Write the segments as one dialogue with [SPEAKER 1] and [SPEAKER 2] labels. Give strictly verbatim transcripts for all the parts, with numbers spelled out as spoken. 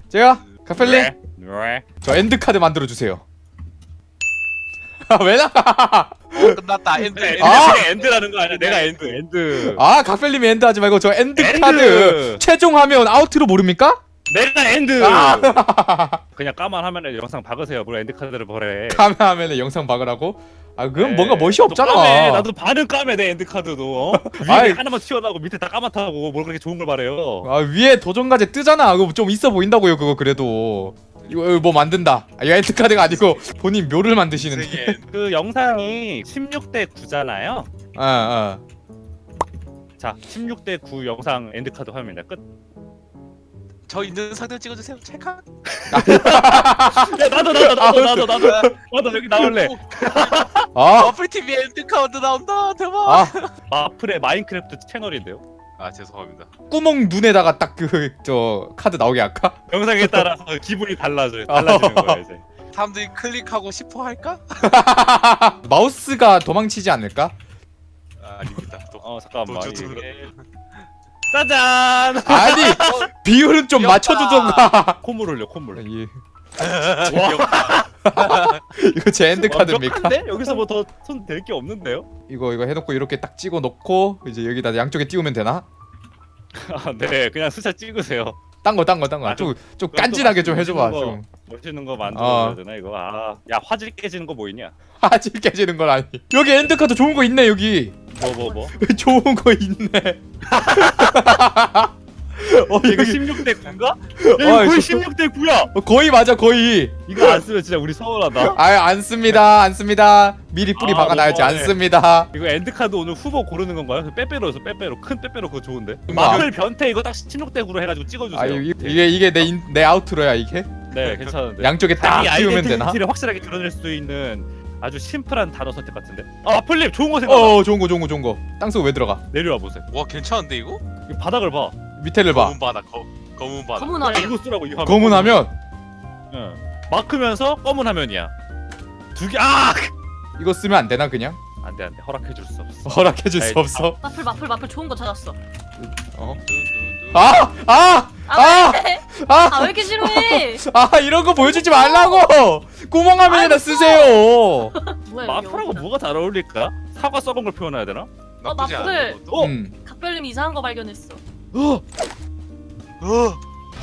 [SPEAKER 1] 제가 카펠리
[SPEAKER 2] 왜? 왜?
[SPEAKER 1] 저 엔드 카드 만들어 주세요. 왜 나가?
[SPEAKER 3] 어, 끝났다. 엔드. 엔드.
[SPEAKER 1] 아!
[SPEAKER 2] 내가 엔드라는 거 아니야? 내가 엔드. 엔드.
[SPEAKER 1] 아 카펠님이 엔드 하지 말고 저 엔드,
[SPEAKER 2] 엔드!
[SPEAKER 1] 카드 최종하면 아우트로 모릅니까?
[SPEAKER 2] 내가 엔드.
[SPEAKER 1] 아!
[SPEAKER 2] 그냥 까만 화면에 영상 박으세요. 뭘 엔드 카드를 보래.
[SPEAKER 1] 카메라면에 영상 박으라고? 아 그건
[SPEAKER 2] 네.
[SPEAKER 1] 뭔가 멋이
[SPEAKER 2] 나도
[SPEAKER 1] 없잖아.
[SPEAKER 2] 까매. 나도 반은 까매 내 엔드 카드도. 어? 위에
[SPEAKER 1] 아이.
[SPEAKER 2] 하나만 튀어나오고 밑에 다 까맣다고 뭘 그렇게 좋은 걸 말해요.
[SPEAKER 1] 아 위에 도전과제 뜨잖아. 그거 좀 있어 보인다고요. 그거 그래도 이거, 이거 뭐 만든다. 아, 이거 엔드 카드가 아니고 본인 묘를 만드시는데.
[SPEAKER 2] 그 영상이 십육 대 구잖아요.
[SPEAKER 1] 아 아.
[SPEAKER 2] 자, 십육 대 구 영상 엔드 카드 화면입니다. 끝.
[SPEAKER 3] 저 있는 사진 찍어주세요. 찰칵.
[SPEAKER 2] 야, 나도 나도 나도 나도 나도 나도 여기 나올래.
[SPEAKER 1] 아,
[SPEAKER 3] 어플 티비 엔드 카운트 나온다. 대박.
[SPEAKER 1] 아
[SPEAKER 2] 마플의 마인크래프트 채널인데요.
[SPEAKER 3] 아 죄송합니다.
[SPEAKER 1] 구멍 눈에다가 딱 그 저 카드 나오게 할까?
[SPEAKER 2] 영상에 따라서 기분이 달라져요. 달라지는 거야 이제.
[SPEAKER 3] 사람들이 클릭하고 싶어 할까?
[SPEAKER 1] 마우스가 도망치지 않을까?
[SPEAKER 3] 아, 아닙니다. 또.
[SPEAKER 2] 어 잠깐만.
[SPEAKER 3] 도주
[SPEAKER 2] 이게... 짜잔.
[SPEAKER 1] 아니 비율은 좀
[SPEAKER 3] 귀엽다.
[SPEAKER 1] 맞춰주던가.
[SPEAKER 2] 콧물 흘려 콧물.
[SPEAKER 1] 예.
[SPEAKER 3] 귀엽다.
[SPEAKER 1] 이거 제 엔드 카드입니까?
[SPEAKER 2] 완벽한데? 여기서 뭐 더 손 댈 게 없는데요?
[SPEAKER 1] 이거 이거 해놓고 이렇게 딱 찍어 놓고 이제 여기다 양쪽에 띄우면 되나?
[SPEAKER 2] 아, 네, 그냥 스샷 찍으세요.
[SPEAKER 1] 딴 거 딴 거 딴 거.
[SPEAKER 2] 아,
[SPEAKER 1] 좀 좀
[SPEAKER 2] 그럼 또
[SPEAKER 1] 깐진하게 좀
[SPEAKER 2] 멋있는
[SPEAKER 1] 해줘봐.
[SPEAKER 2] 거,
[SPEAKER 1] 좀
[SPEAKER 2] 멋있는 거
[SPEAKER 1] 어.
[SPEAKER 2] 만들어야 되나 이거? 아, 야 화질 깨지는 거 뭐 있냐?
[SPEAKER 1] 화질 깨지는 건 아니. 여기 엔드 카드 좋은 거 있네 여기.
[SPEAKER 2] 뭐 뭐 뭐?
[SPEAKER 1] 좋은 거 있네. 어
[SPEAKER 2] 이거
[SPEAKER 1] 이거
[SPEAKER 2] 십육 대 구인가? 야,
[SPEAKER 1] 어,
[SPEAKER 2] 이거 거의
[SPEAKER 1] 이거-
[SPEAKER 2] 십육 대 구야.
[SPEAKER 1] 어, 거의 맞아 거의.
[SPEAKER 2] 이거 안 쓰면 진짜 우리 서운하다.
[SPEAKER 1] 아 안 씁니다 안 씁니다. 미리 뿌리
[SPEAKER 2] 아,
[SPEAKER 1] 박아놔야지 안
[SPEAKER 2] 너무하네.
[SPEAKER 1] 씁니다.
[SPEAKER 2] 이거 엔드 카드 오늘 후보 고르는 건가요? 빼빼로에서 빼빼로 큰 빼빼로 그거 좋은데.
[SPEAKER 1] 음,
[SPEAKER 2] 마플 변태 이거 딱 십육 대 구로 해가지고 찍어주세요.
[SPEAKER 1] 아 이- 이게 이게 내 인- 내 아우트로야 이게.
[SPEAKER 2] 네 괜찮은데.
[SPEAKER 1] 양쪽에 딱
[SPEAKER 2] 자기
[SPEAKER 1] 띄우면 되나?
[SPEAKER 2] 아이덴티티를 확실하게 드러낼 수 있는 아주 심플한 단어 선택 같은데. 아 마플님 좋은 거 생각.
[SPEAKER 1] 어 좋은 거 좋은 거 좋은 거. 땅속 왜 들어가?
[SPEAKER 2] 내려와 보세요.
[SPEAKER 3] 와 괜찮은데 이거?
[SPEAKER 2] 이 바닥을 봐.
[SPEAKER 1] 밑에를 봐.
[SPEAKER 3] 검은 바다. 거, 검은 바다.
[SPEAKER 4] 검은
[SPEAKER 2] 야,
[SPEAKER 4] 화면.
[SPEAKER 2] 이거 쓰라고 이 화면.
[SPEAKER 1] 검은 화면
[SPEAKER 2] 응. 마크면서 검은 화면이야. 두 개. 아!
[SPEAKER 1] 이거 쓰면 안 되나 그냥?
[SPEAKER 2] 안돼 안돼 허락해 줄 수 없어.
[SPEAKER 1] 허락해줄 수
[SPEAKER 2] 아이,
[SPEAKER 1] 없어.
[SPEAKER 4] 마플 마플 마플 좋은 거 찾았어.
[SPEAKER 1] 어?
[SPEAKER 3] 두두두.
[SPEAKER 1] 아! 아! 아!
[SPEAKER 4] 아 왜?
[SPEAKER 1] 아!
[SPEAKER 4] 아 왜 이렇게 싫어해?
[SPEAKER 1] 아 이런 거 보여주지 말라고! 구멍 화면에다
[SPEAKER 4] 알겠어.
[SPEAKER 1] 쓰세요.
[SPEAKER 4] 뭐야
[SPEAKER 2] 마플하고 뭐가 잘 어울릴까? 사과 썩은 걸 표현해야 되나?
[SPEAKER 3] 나쁘지
[SPEAKER 4] 마플.
[SPEAKER 3] 않은 것도.
[SPEAKER 2] 어?
[SPEAKER 1] 음.
[SPEAKER 4] 각별님 이상한 거 발견했어.
[SPEAKER 2] 어!
[SPEAKER 3] 어.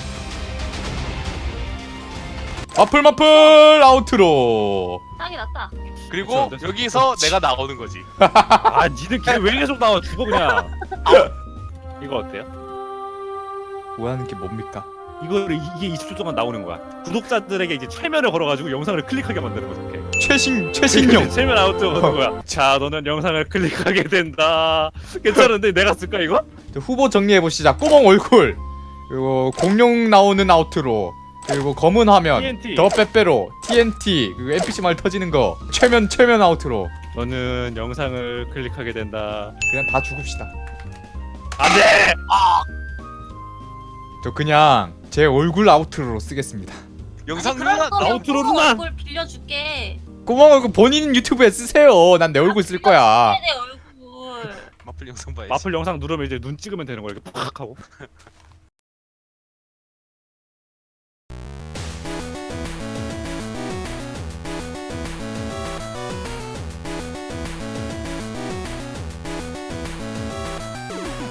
[SPEAKER 1] 마플 마플 아우트로.
[SPEAKER 4] 딱이 났다.
[SPEAKER 3] 그리고
[SPEAKER 2] 그쵸,
[SPEAKER 3] 여기서 내가 나오는 거지.
[SPEAKER 2] 아 니들 걔 왜 계속 나와 죽어 그냥. 이거 어때요?
[SPEAKER 1] 뭐하는 게 뭡니까?
[SPEAKER 2] 이거를 이게 이십 초 동안 나오는 거야. 구독자들에게 이제 최면을 걸어가지고 영상을 클릭하게 만드는 거죠. 오케이.
[SPEAKER 1] 최신 최신형.
[SPEAKER 2] 최면 아웃 오는 거야. 자 너는 영상을 클릭하게 된다. 괜찮은데 내가 쓸까 이거?
[SPEAKER 1] 자, 후보 정리해 보시자. 꾸멍 얼굴. 그리고 공룡 나오는 아우트로. 그리고 검은 화면.
[SPEAKER 2] 티엔티.
[SPEAKER 1] 더 빼빼로. 티엔티. 그리고 엔피씨 말 터지는 거. 최면 최면 아우트로.
[SPEAKER 2] 너는 영상을 클릭하게 된다.
[SPEAKER 1] 그냥 다 죽읍시다.
[SPEAKER 2] 안돼.
[SPEAKER 1] 저 그냥 제 얼굴 아우트로 쓰겠습니다.
[SPEAKER 3] 영상
[SPEAKER 4] 그럴
[SPEAKER 3] 누나
[SPEAKER 4] 거면
[SPEAKER 2] 아우트로
[SPEAKER 4] 부모
[SPEAKER 2] 누나.
[SPEAKER 4] 얼굴 빌려줄게.
[SPEAKER 1] 꾸멍 얼굴 본인 유튜브에 쓰세요. 난 내 얼굴 쓸 거야.
[SPEAKER 4] 내 얼굴.
[SPEAKER 3] 마플 영상 봐야지.
[SPEAKER 2] 마플 영상 누르면 이제 눈 찍으면 되는 거야. 이렇게 팍 하고.